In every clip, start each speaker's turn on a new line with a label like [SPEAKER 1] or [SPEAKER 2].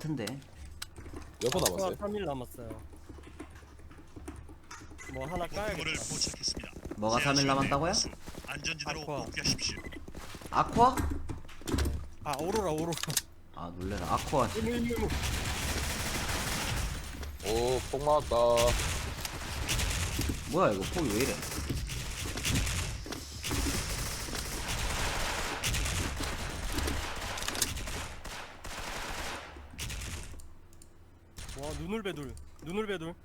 [SPEAKER 1] 같은데.
[SPEAKER 2] 몇 번
[SPEAKER 3] 아쿠아
[SPEAKER 2] 남았어요?
[SPEAKER 3] 3일 남았어요. 뭐 하나
[SPEAKER 4] 목표물을
[SPEAKER 3] 까야겠다.
[SPEAKER 4] 포착했습니다.
[SPEAKER 1] 뭐가 3일 남았다고요?
[SPEAKER 4] 안전지대로
[SPEAKER 3] 아쿠아.
[SPEAKER 4] 복귀하십시오.
[SPEAKER 1] 아쿠아?
[SPEAKER 3] 아 오로라.
[SPEAKER 1] 아 놀래라. 아쿠아.
[SPEAKER 2] 오, 폭 맞았다.
[SPEAKER 1] 뭐야 이거 폭이 왜 이래?
[SPEAKER 3] 와 눈을 배둘.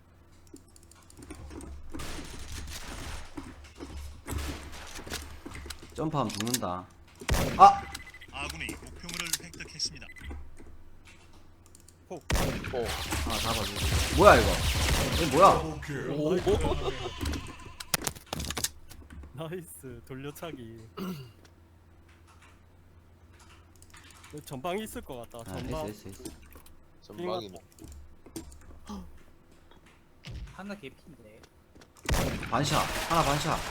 [SPEAKER 1] 점프하면 죽는다. 아!
[SPEAKER 4] 아군이 목표물을 획득했습니다.
[SPEAKER 2] 오,
[SPEAKER 1] 아 잡아줘. 뭐야 이거? 이거 뭐야?
[SPEAKER 2] 오,
[SPEAKER 3] 나이스 돌려차기. 전방이 있을 것 같다.
[SPEAKER 1] 아
[SPEAKER 3] 전방.
[SPEAKER 1] 있어.
[SPEAKER 2] 전방이네.
[SPEAKER 5] 하나 개피인데.
[SPEAKER 1] 반샷. 하나 반샷.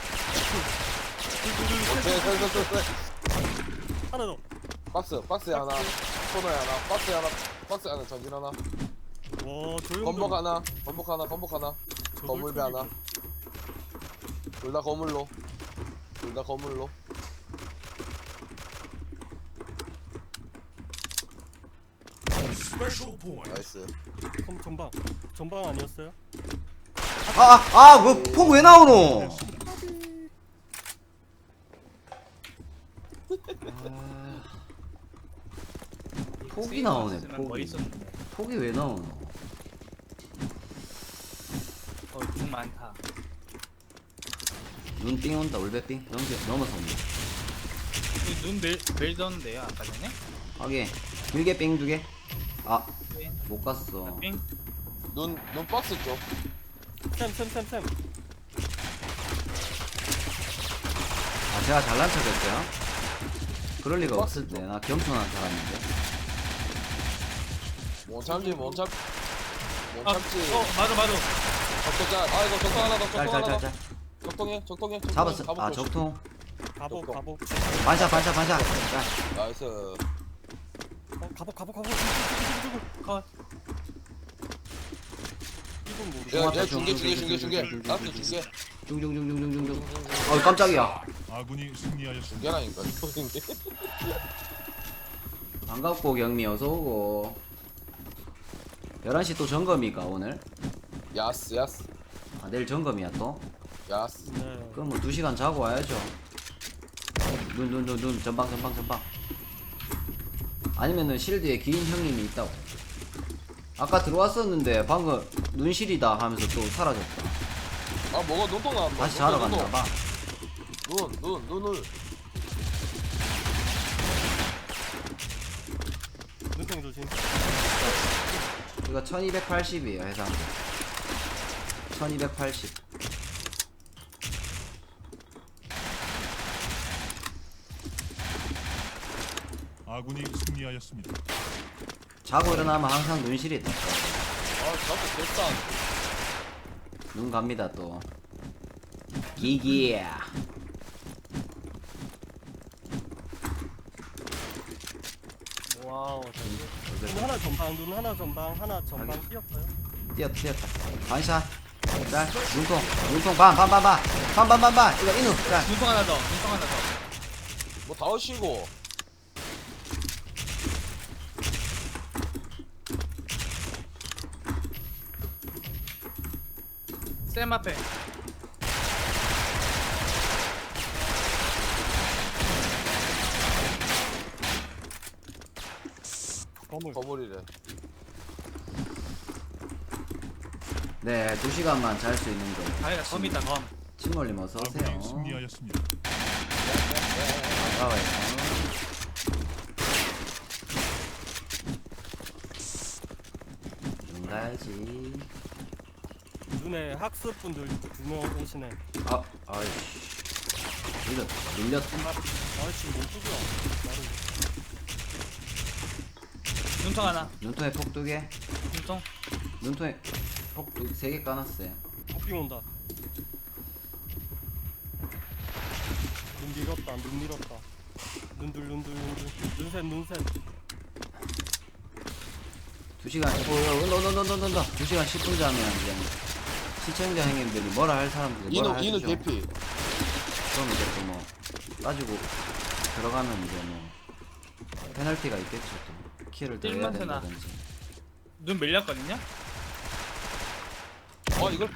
[SPEAKER 3] 하나 더.
[SPEAKER 2] 박스에 하나, 코너에 하나, 박스에 하나, 전진 하나,
[SPEAKER 3] 와 조용.
[SPEAKER 2] 건복 하나, 건물배 하나. 둘 다 건물로. 나이스.
[SPEAKER 3] 전방 아니었어요?
[SPEAKER 1] 그 폭 왜 나오노? 폭이 나오네. 폭이. 폭이 왜 나오노?
[SPEAKER 5] 중 많다.
[SPEAKER 1] 눈삥 온다. 울베삥. 넘어서 온다.
[SPEAKER 5] 눈 매일 떴는데요 아까 전에?
[SPEAKER 1] 하게. 길게 삥 2개. 아,
[SPEAKER 5] 네.
[SPEAKER 1] 못 갔어.
[SPEAKER 5] 삥.
[SPEAKER 2] 눈 박스 쪽.
[SPEAKER 3] 샘.
[SPEAKER 1] 아, 제가 잘난 척했어요? 그럴 리가 없을 때. 나 겸손한 사람인데.
[SPEAKER 2] 못 참지.
[SPEAKER 5] 맞아.
[SPEAKER 2] 적동자. 아이고, 적동 하나 더.
[SPEAKER 1] 짤.
[SPEAKER 2] 적동해.
[SPEAKER 1] 잡았어.
[SPEAKER 2] 가복
[SPEAKER 1] 아,
[SPEAKER 2] 조심.
[SPEAKER 1] 적통.
[SPEAKER 3] 가복.
[SPEAKER 1] 반샷. 짤.
[SPEAKER 2] 나이스.
[SPEAKER 3] 가복.
[SPEAKER 5] 컷.
[SPEAKER 3] 이건 모르겠어.
[SPEAKER 2] 야, 중계. 나한테 중계.
[SPEAKER 1] 중중중중중중중. 깜짝이야.
[SPEAKER 4] 아군이 승리하였습니다.
[SPEAKER 2] 중계라니까. 이게.
[SPEAKER 1] 반갑고 경미 어서오고. 11시 또 점검이가 오늘?
[SPEAKER 2] 야스.
[SPEAKER 1] 아, 내일 점검이야 또?
[SPEAKER 2] 야스.
[SPEAKER 3] 네.
[SPEAKER 1] 그럼 뭐 2시간 자고 와야죠. 눈 전방. 아니면은 실드에 긴 형님이 있다고. 아까 들어왔었는데 방금 눈실이다 하면서 또 사라졌다.
[SPEAKER 2] 아, 뭐가 눈동 나왔나?
[SPEAKER 1] 다시 자러 갔나봐.
[SPEAKER 2] 눈을.
[SPEAKER 3] 눈통 조심.
[SPEAKER 1] 이거 1280이에요 해상. 1280.
[SPEAKER 4] 아군이 승리하였습니다.
[SPEAKER 1] 자고 일어나면 항상 눈실이 있다.
[SPEAKER 2] 아, 저거 됐다.
[SPEAKER 1] 눈 갑니다 또. 기기야.
[SPEAKER 3] 와우. 눈 하나 전방 뛰었어요.
[SPEAKER 1] 뛰었다. 반샷. 짤. 눈통 반. 이거 인우. 짤.
[SPEAKER 5] 눈통 하나 더.
[SPEAKER 2] 뭐 다 오시고.
[SPEAKER 5] 쌤 앞에.
[SPEAKER 2] 거물이래.
[SPEAKER 1] 네, 2시간만 잘 수 있는 거.
[SPEAKER 5] 아니다 검 있다 검.
[SPEAKER 1] 침몰님 어서 오세요.
[SPEAKER 4] 아군이 승리하였습니다.
[SPEAKER 1] 반가워요. 눈 가야지.
[SPEAKER 3] 눈에 학습분들 2명 오시네.
[SPEAKER 1] 아이씨. 밀렸다.
[SPEAKER 3] 아이씨 못 죽여.
[SPEAKER 5] 눈통 하나.
[SPEAKER 1] 눈통에 폭 2개.
[SPEAKER 5] 눈통.
[SPEAKER 1] 눈통에 폭 3개 까놨어요.
[SPEAKER 3] 복빙 온다. 눈 밀었다. 눈셋.
[SPEAKER 1] 2시간 온다 2시간 10분 자면 이제 시청자 형님들이 뭐라 할 사람들이 뭐라 할
[SPEAKER 2] 이는
[SPEAKER 1] 죠
[SPEAKER 2] 개피.
[SPEAKER 1] 그럼 이제 또 뭐 따지고 들어가면 이제 뭐 페널티가 있겠죠. 또 키를 더 해야
[SPEAKER 5] 찔만 쓰나?
[SPEAKER 1] 된다든지.
[SPEAKER 5] 눈 밀렸거든요?
[SPEAKER 2] 이걸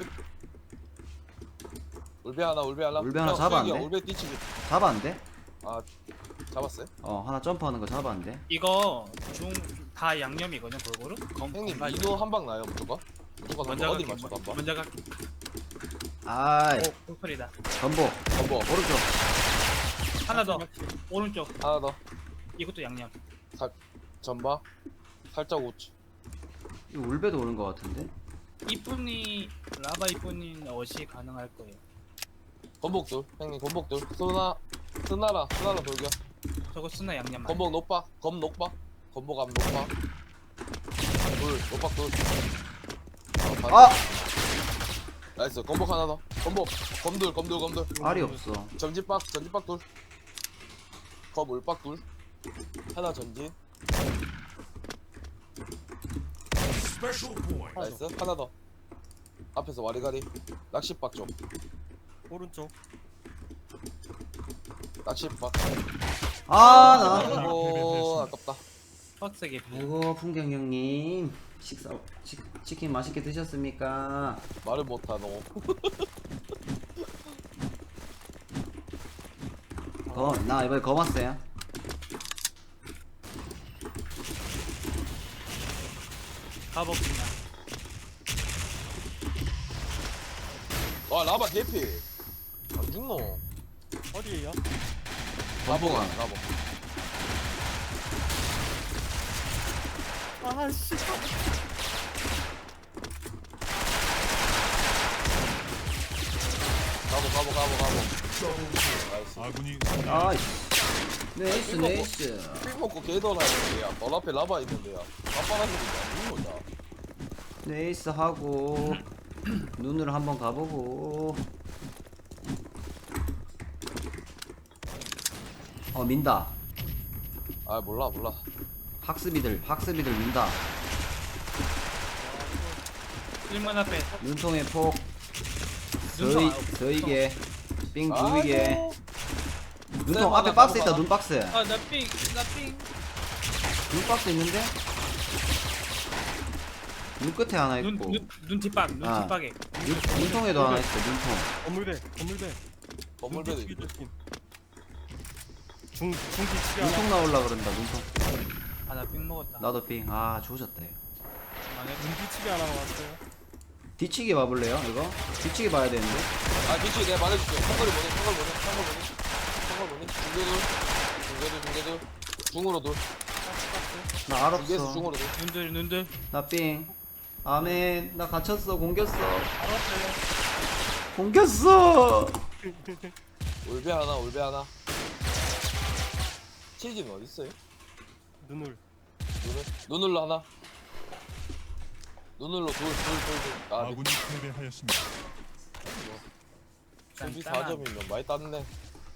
[SPEAKER 2] 울베 하나
[SPEAKER 1] 울베 하나
[SPEAKER 2] 형,
[SPEAKER 1] 잡았는데?
[SPEAKER 2] 수익이야, 울베 뛰치기.
[SPEAKER 1] 잡았는데?
[SPEAKER 2] 잡았어요?
[SPEAKER 1] 하나 점프하는 거 잡았는데?
[SPEAKER 5] 이거 중 다 양념이거든요 골고루?
[SPEAKER 2] 형님
[SPEAKER 5] 검-
[SPEAKER 2] 이노 한 방 나요 무조건? 무조건
[SPEAKER 5] 먼저
[SPEAKER 2] 어디
[SPEAKER 5] 갈게
[SPEAKER 2] 맞춰도 한 방?
[SPEAKER 5] 먼저 갈게
[SPEAKER 1] 아이
[SPEAKER 5] 폭소리다
[SPEAKER 1] 전복
[SPEAKER 2] 전보
[SPEAKER 1] 오른쪽.
[SPEAKER 5] 하나 더 오른쪽
[SPEAKER 2] 하나 더
[SPEAKER 5] 이것도 양념
[SPEAKER 2] 전바 살짝 우측.
[SPEAKER 1] 이거 울베도 오는 거 같은데?
[SPEAKER 5] 이쁜이 라바 이쁜이 어시 가능할 거예요
[SPEAKER 2] 건복들 형님 건복들 스나라 돌겨.
[SPEAKER 5] 저거 쓰나 양념
[SPEAKER 2] 건복 녹박 검 녹박 건복 앞 녹박 둘 녹박 둘.
[SPEAKER 1] 아!
[SPEAKER 2] 나이스 건복 하나 더 건복 검들
[SPEAKER 1] 알이 없어.
[SPEAKER 2] 전진박 둘. 검 울박 둘. 하나 전진. 나이스 하나 더. 앞에서 와리가리 낚시박 쪽.
[SPEAKER 3] 오른쪽.
[SPEAKER 2] 낚시박.
[SPEAKER 1] 나.
[SPEAKER 2] 아이고 아깝다.
[SPEAKER 5] 빡세게
[SPEAKER 1] 아이고 풍경 형님 치킨 맛있게 드셨습니까?
[SPEAKER 2] 말을 못하노.
[SPEAKER 1] 나 이번에 검 왔어요.
[SPEAKER 5] 가봅시다
[SPEAKER 2] 와 라바 개피. 안 죽노.
[SPEAKER 3] 어디에요?
[SPEAKER 2] 라보가
[SPEAKER 1] 건복.
[SPEAKER 2] 라보.
[SPEAKER 3] 아씨.
[SPEAKER 2] 가보. 나이스.
[SPEAKER 4] 아군이
[SPEAKER 1] 아이 네이스.
[SPEAKER 2] 픽 먹고 개돌아야 널 앞에 라바 있는데야. 아빠라는 게 안 죽노.
[SPEAKER 1] 네이스 하고 눈으로 한번 가보고. 민다.
[SPEAKER 2] 아 몰라.
[SPEAKER 1] 학습이들 민다.
[SPEAKER 5] 1문 앞에
[SPEAKER 1] 눈통에 폭
[SPEAKER 5] 눈통
[SPEAKER 1] 서이게 삥
[SPEAKER 2] 아이고.
[SPEAKER 1] 두이게. 눈통
[SPEAKER 2] 네,
[SPEAKER 1] 앞에
[SPEAKER 2] 맞아,
[SPEAKER 1] 박스
[SPEAKER 2] 맞아.
[SPEAKER 1] 있다. 눈박스.
[SPEAKER 5] 나삥
[SPEAKER 1] 눈박스 있는데? 눈 끝에 하나 있고
[SPEAKER 5] 눈 뒷박 눈
[SPEAKER 1] 아.
[SPEAKER 5] 뒷박에
[SPEAKER 1] 눈통에도 하나 있어. 눈통.
[SPEAKER 3] 건물배.
[SPEAKER 2] 건물배도
[SPEAKER 3] 눈
[SPEAKER 2] 있고.
[SPEAKER 3] 뒤치기 중뒤치기 하나.
[SPEAKER 1] 눈통 나올라 그런다. 눈통.
[SPEAKER 5] 아나삥 먹었다
[SPEAKER 1] 나도 삥. 조졌다. 이거.
[SPEAKER 3] 눈 뒤치기 하나 왔어요.
[SPEAKER 1] 뒤치기 봐볼래요? 이거? 뒤치기 봐야 되는데.
[SPEAKER 2] 뒤치 내가 말해줄게. 상거리 보내. 중계들. 중으로 둘.
[SPEAKER 1] 나
[SPEAKER 2] 중계에서
[SPEAKER 1] 알았어.
[SPEAKER 2] 중으로 둘.
[SPEAKER 5] 눈들
[SPEAKER 1] 나 삥. 아멘. 나 갇혔어. 공겼어.
[SPEAKER 5] 알았어요
[SPEAKER 1] 공겼어.
[SPEAKER 2] 울베 하나. 치즈는 어디 있어요?
[SPEAKER 3] 눈을.
[SPEAKER 2] 눈을로 하나. 눈을로 둘.
[SPEAKER 4] 아군이 패배하였습니다.
[SPEAKER 2] 수비
[SPEAKER 5] 짠짠한.
[SPEAKER 2] 4점이면 많이 땄네.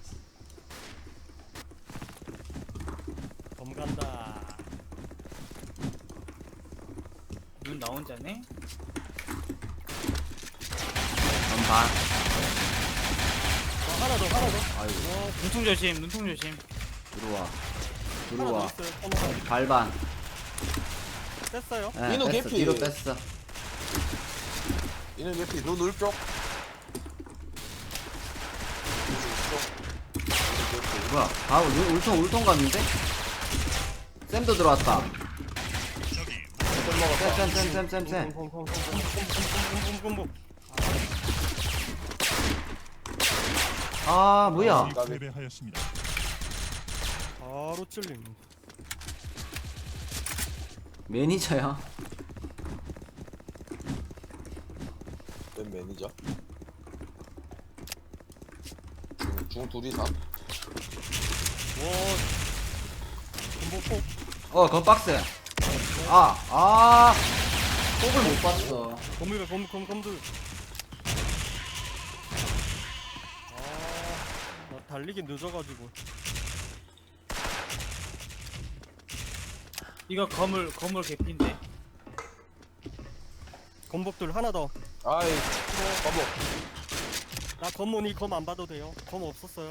[SPEAKER 3] 검 간다.
[SPEAKER 5] 눈 나 혼자네
[SPEAKER 1] 전반.
[SPEAKER 3] 하나 더.
[SPEAKER 1] 아이고.
[SPEAKER 5] 눈통 조심
[SPEAKER 1] 들어와.
[SPEAKER 3] 하나 더 있어요. 하나
[SPEAKER 1] 발반.
[SPEAKER 3] 뺐어요.
[SPEAKER 2] 민호
[SPEAKER 1] 뺐어.
[SPEAKER 2] 개피.
[SPEAKER 1] 뒤로 뺐어.
[SPEAKER 2] 이는 예피 눈을 쪽.
[SPEAKER 1] 뭐야? 울통 갔는데? 쌤도 들어왔다. 쌤.
[SPEAKER 3] 곰곰곰곰곰곰곰곰곰곰.
[SPEAKER 1] 뭐야?
[SPEAKER 4] 아군이 패배하였습니다.
[SPEAKER 3] 바로 찔림.
[SPEAKER 1] 매니저야?
[SPEAKER 2] 웬 매니저? 중 둘이서.
[SPEAKER 3] 곰복폭.
[SPEAKER 1] 건 박스. 폭을 못 봤어.
[SPEAKER 3] 검물배 검들. 나 달리기 늦어가지고.
[SPEAKER 5] 이거 거물 개피인데
[SPEAKER 3] 검복들 하나 더.
[SPEAKER 2] 아이 바보.
[SPEAKER 3] 나 검모니 검 안 봐도 돼요. 검 없었어요.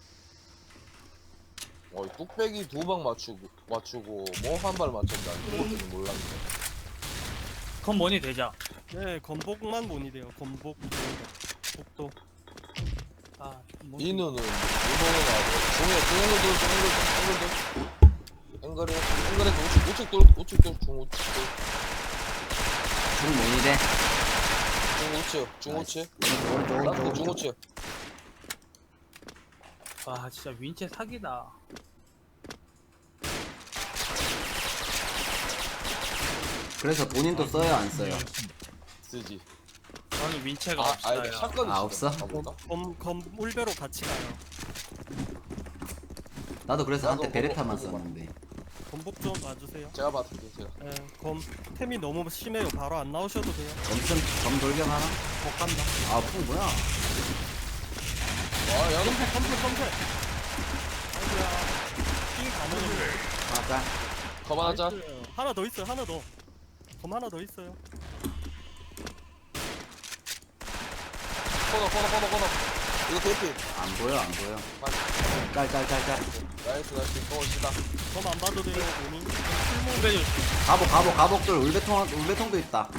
[SPEAKER 2] 어이 뚝배기 2방 맞추고 뭐 한 발 맞췄다. 그것도 몰랐네.
[SPEAKER 5] 그건 뭐니 되자.
[SPEAKER 3] 네, 검복만 모니 돼요. 검복, 복도.
[SPEAKER 5] 아, 뭐.
[SPEAKER 2] 이누는 일본어 나고 중에 앵글에 우측 돌 중우측
[SPEAKER 1] 중 모니대.
[SPEAKER 2] 중우측
[SPEAKER 1] 오른쪽
[SPEAKER 2] 라스트
[SPEAKER 1] 오른쪽.
[SPEAKER 2] 중우측.
[SPEAKER 5] 와, 진짜 윈체 사기다.
[SPEAKER 1] 그래서 본인도 써요 안 써요?
[SPEAKER 4] 승리하였습니다.
[SPEAKER 2] 쓰지.
[SPEAKER 5] 저는 윈체가
[SPEAKER 2] 아
[SPEAKER 5] 없어요.
[SPEAKER 2] 아니 샷건이
[SPEAKER 1] 아, 없어?
[SPEAKER 3] 검 울배로 같이 가요.
[SPEAKER 1] 나도 그래서 한때
[SPEAKER 2] 나도
[SPEAKER 1] 베레타만
[SPEAKER 2] 그거
[SPEAKER 1] 썼는데.
[SPEAKER 3] 검복 좀 봐주세요.
[SPEAKER 2] 제가 받을게 제가.
[SPEAKER 3] 네, 검 템이 너무 심해요. 바로 안 나오셔도 돼요.
[SPEAKER 1] 엄청 검 돌격 하나?
[SPEAKER 3] 못 간다.
[SPEAKER 1] 아프 뭐야?
[SPEAKER 2] 와 야너
[SPEAKER 3] 검색. 아이고야. 삥 가면
[SPEAKER 1] 하나
[SPEAKER 2] 그만하자.
[SPEAKER 3] 하나 더 있어요. 하나 더. 검 하나 더 있어요.
[SPEAKER 2] 코너. 이거 대피.
[SPEAKER 1] 안 보여. 짤.
[SPEAKER 2] 나이스 또 시다.
[SPEAKER 3] 검 안 봐도 돼요. 본인.
[SPEAKER 5] 빼줘.
[SPEAKER 1] 가복들 울배통도 있다.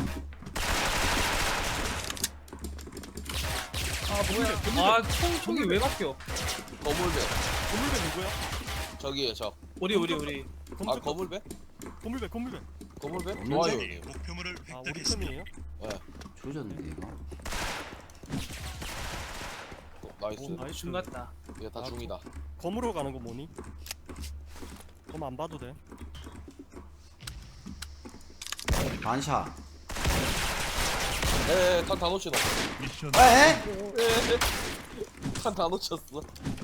[SPEAKER 5] 아, 뭐야. 아, 총이 왜 바뀌어?
[SPEAKER 2] 거물배.
[SPEAKER 3] 검물배 누구야?
[SPEAKER 2] 저기에 저.
[SPEAKER 5] 우리.
[SPEAKER 2] 아 거물배?
[SPEAKER 3] 검물배.
[SPEAKER 2] 거물배?
[SPEAKER 1] 없는
[SPEAKER 2] 좋아요.
[SPEAKER 4] 적이 목표물을
[SPEAKER 3] 아, 우리
[SPEAKER 4] 획득했습니다.
[SPEAKER 3] 템이에요?
[SPEAKER 2] 예.
[SPEAKER 1] 조졌는데 이거.
[SPEAKER 2] 나이스.
[SPEAKER 3] 나이스.
[SPEAKER 5] 중 같다.
[SPEAKER 2] 이게 다
[SPEAKER 3] 아,
[SPEAKER 2] 중이다.
[SPEAKER 3] 검으로 가는 거 뭐니? 검 안 봐도 돼.
[SPEAKER 1] 반샷.
[SPEAKER 2] 탄다 놓치노.
[SPEAKER 4] 미션
[SPEAKER 1] 에?
[SPEAKER 2] 탄다 놓쳤어.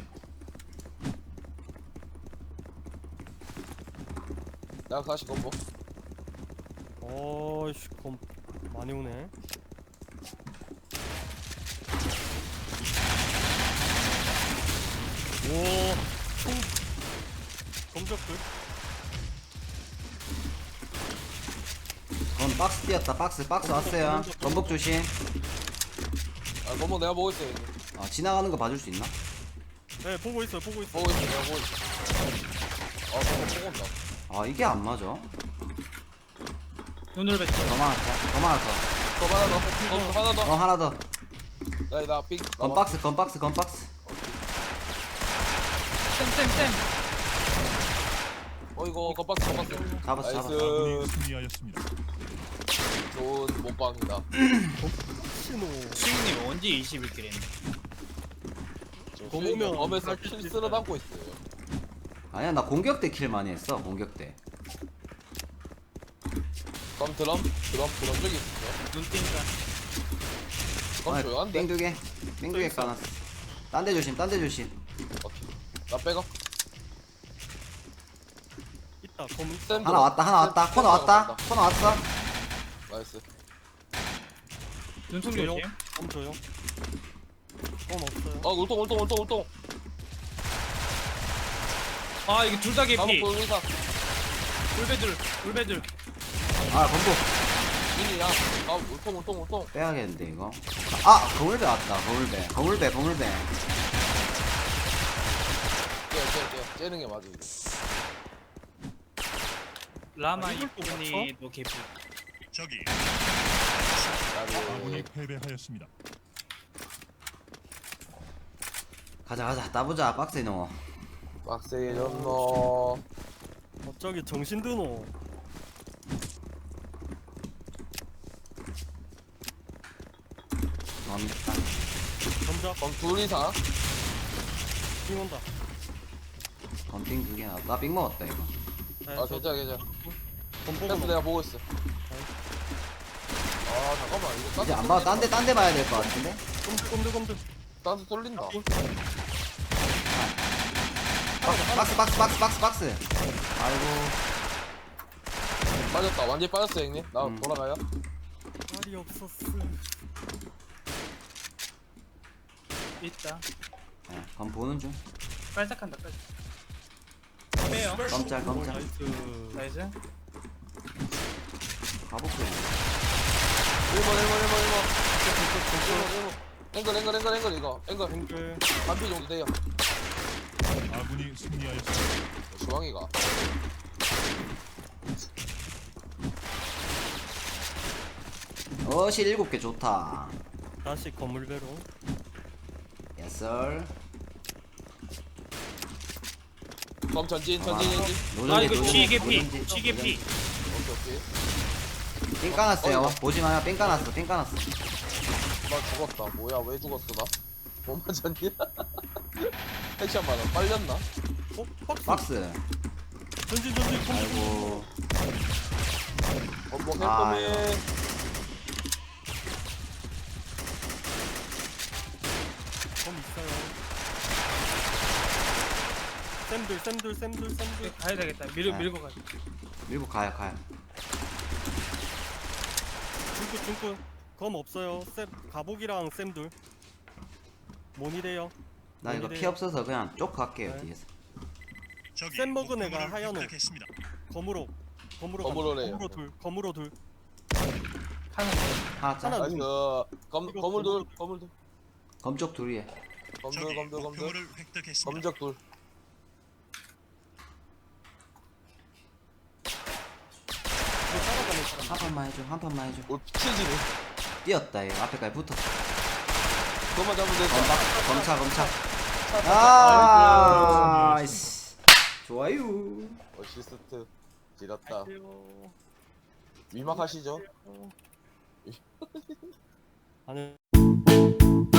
[SPEAKER 2] 나 다시 건보.
[SPEAKER 3] 어이씨, 검 많이 오네. 오, 총 검적들.
[SPEAKER 1] 그건 박스 뛰었다. 박스 왔어요. 전복 조심.
[SPEAKER 2] 아 건보 내가 보고 있어. 이제.
[SPEAKER 1] 지나가는 거 봐줄 수 있나?
[SPEAKER 3] 네, 보고 있어요.
[SPEAKER 2] 보고 있어 내가 보고 있어. 아 건보 보고 온다.
[SPEAKER 1] 이게 안 맞아.
[SPEAKER 5] 눈을 뱉어.
[SPEAKER 1] 더 많았다.
[SPEAKER 2] 거 하나 더. 하나 더.
[SPEAKER 1] 하나 더.
[SPEAKER 2] 나 삑.
[SPEAKER 1] 건박스.
[SPEAKER 5] 쌤.
[SPEAKER 2] 이거 건박스.
[SPEAKER 1] 잡았어.
[SPEAKER 4] 아군이 승리하였습니다.
[SPEAKER 2] 좋은 몸빵이다.
[SPEAKER 3] 신호.
[SPEAKER 5] 수익님 언제 21킬 했네?
[SPEAKER 2] 보면 검에서 킬 쓸어 담고 있어요.
[SPEAKER 1] 아니야 나 공격 때 킬 많이 했어. 공격 때.
[SPEAKER 2] 검 드럼 저기 있어.
[SPEAKER 5] 눈 뜬다.
[SPEAKER 2] 검 조용한데.
[SPEAKER 1] 땡두개 까놨어. 딴 데 조심.
[SPEAKER 2] 오케이. 나 빼고.
[SPEAKER 3] 있다. 검
[SPEAKER 2] 쌤
[SPEAKER 1] 하나 왔다. 코너 왔다.
[SPEAKER 2] 나이스.
[SPEAKER 5] 눈통
[SPEAKER 3] 조용.
[SPEAKER 5] 조심.
[SPEAKER 3] 검 조용. 검 없어요.
[SPEAKER 2] 울통.
[SPEAKER 5] 아, 이게 둘 다 개피.
[SPEAKER 2] 가복 돌리사.
[SPEAKER 5] 울배들.
[SPEAKER 1] 건복.
[SPEAKER 2] 이니야. 울통.
[SPEAKER 1] 빼야겠는데 이거. 거울배 왔다. 거울배.
[SPEAKER 2] 째는 게 맞아. 이거.
[SPEAKER 5] 라마
[SPEAKER 3] 이걸 또
[SPEAKER 5] 이쁜이도 개피.
[SPEAKER 4] 적이
[SPEAKER 2] 나를
[SPEAKER 4] 아군이 패배하였습니다.
[SPEAKER 1] 가자. 따보자. 박스에 넣어.
[SPEAKER 2] 빡세게 졌노.
[SPEAKER 3] 갑자기 정신 드노.
[SPEAKER 1] 넣었다.
[SPEAKER 3] 검적.
[SPEAKER 2] 검 둘 이상.
[SPEAKER 3] 삥 온다.
[SPEAKER 1] 건빙 2개 나왔다. 나빙 먹었다 이거.
[SPEAKER 3] 네,
[SPEAKER 2] 아 괜찮아.
[SPEAKER 3] 검
[SPEAKER 2] 패스
[SPEAKER 3] 보고
[SPEAKER 2] 내가 보고 있어. 아 잠깐만 이거
[SPEAKER 1] 이제 안 봐. 딴 데 봐야 될 것 같은데.
[SPEAKER 3] 검들.
[SPEAKER 2] 딴데 돌린다.
[SPEAKER 1] 박스. 아이고.
[SPEAKER 2] 빠졌다. 완전히 빠졌어 형님. 나
[SPEAKER 1] 음.
[SPEAKER 2] 돌아가요.
[SPEAKER 3] 말이 없었어.
[SPEAKER 5] 있다.
[SPEAKER 1] 건 보는 중.
[SPEAKER 5] 빨딱한다. 빼요.
[SPEAKER 1] 깜짝.
[SPEAKER 3] 나이스.
[SPEAKER 5] 나이스.
[SPEAKER 1] 가볼게.
[SPEAKER 2] 앵글 이거 앵글
[SPEAKER 3] 앵글
[SPEAKER 2] 반피 정도 돼요.
[SPEAKER 4] 아군이 승리하였습니다.
[SPEAKER 2] 주황이가
[SPEAKER 1] 어실 7개 좋다.
[SPEAKER 3] 다시 건물 배로.
[SPEAKER 1] 예썰.
[SPEAKER 2] 검 전진.
[SPEAKER 5] 아 이거 G 개피 G 개피.
[SPEAKER 2] 오케이.
[SPEAKER 1] 삥 까놨어요.
[SPEAKER 2] 어이구.
[SPEAKER 1] 보지 마요. 삥 까놨어. 삥 까놨어.
[SPEAKER 2] 나 죽었다. 뭐야 왜 죽었어 나? 못 맞았니? 핵샷 많아. 빨렸나?
[SPEAKER 3] 어? 박스.
[SPEAKER 1] 박스.
[SPEAKER 3] 전진.
[SPEAKER 1] 아이고.
[SPEAKER 2] 뭐
[SPEAKER 1] 아유.
[SPEAKER 2] 햄버맨.
[SPEAKER 3] 검 있어요. 쌤들.
[SPEAKER 5] 가야 되겠다.
[SPEAKER 1] 네.
[SPEAKER 5] 밀고 가.
[SPEAKER 1] 밀고 가요.
[SPEAKER 3] 중구. 검 없어요. 쌤 가복이랑 쌤들. 모니래요.
[SPEAKER 1] 나 이거 피 없어서 그냥 쪽 갈게요.
[SPEAKER 3] 네.
[SPEAKER 1] 뒤에서.
[SPEAKER 4] 적이
[SPEAKER 3] 센 먹은 애가
[SPEAKER 4] 목표물을
[SPEAKER 3] 하얀 옷.
[SPEAKER 4] 획득했습니다.
[SPEAKER 3] 검으로
[SPEAKER 2] 검으로래요.
[SPEAKER 3] 검으로 둘.
[SPEAKER 5] 하는
[SPEAKER 1] 하나 짜.
[SPEAKER 3] 하나
[SPEAKER 2] 나이스.
[SPEAKER 3] 이거
[SPEAKER 2] 거물돌.
[SPEAKER 1] 검쪽 둘이에.
[SPEAKER 4] 적이
[SPEAKER 2] 검들.
[SPEAKER 4] 목표물을 획득했습니다.
[SPEAKER 2] 검적 돌.
[SPEAKER 1] 한 판만 해줘.
[SPEAKER 2] 올 피치지네.
[SPEAKER 1] 뛰었다 이거. 앞에까지 붙었어.
[SPEAKER 2] 그것만 잡으면 돼.
[SPEAKER 1] 검차.
[SPEAKER 2] 아.
[SPEAKER 1] 나이스. 좋아요.
[SPEAKER 2] 어시스트. 지렸다.
[SPEAKER 3] 아유.
[SPEAKER 2] 위막하시죠.
[SPEAKER 3] 아니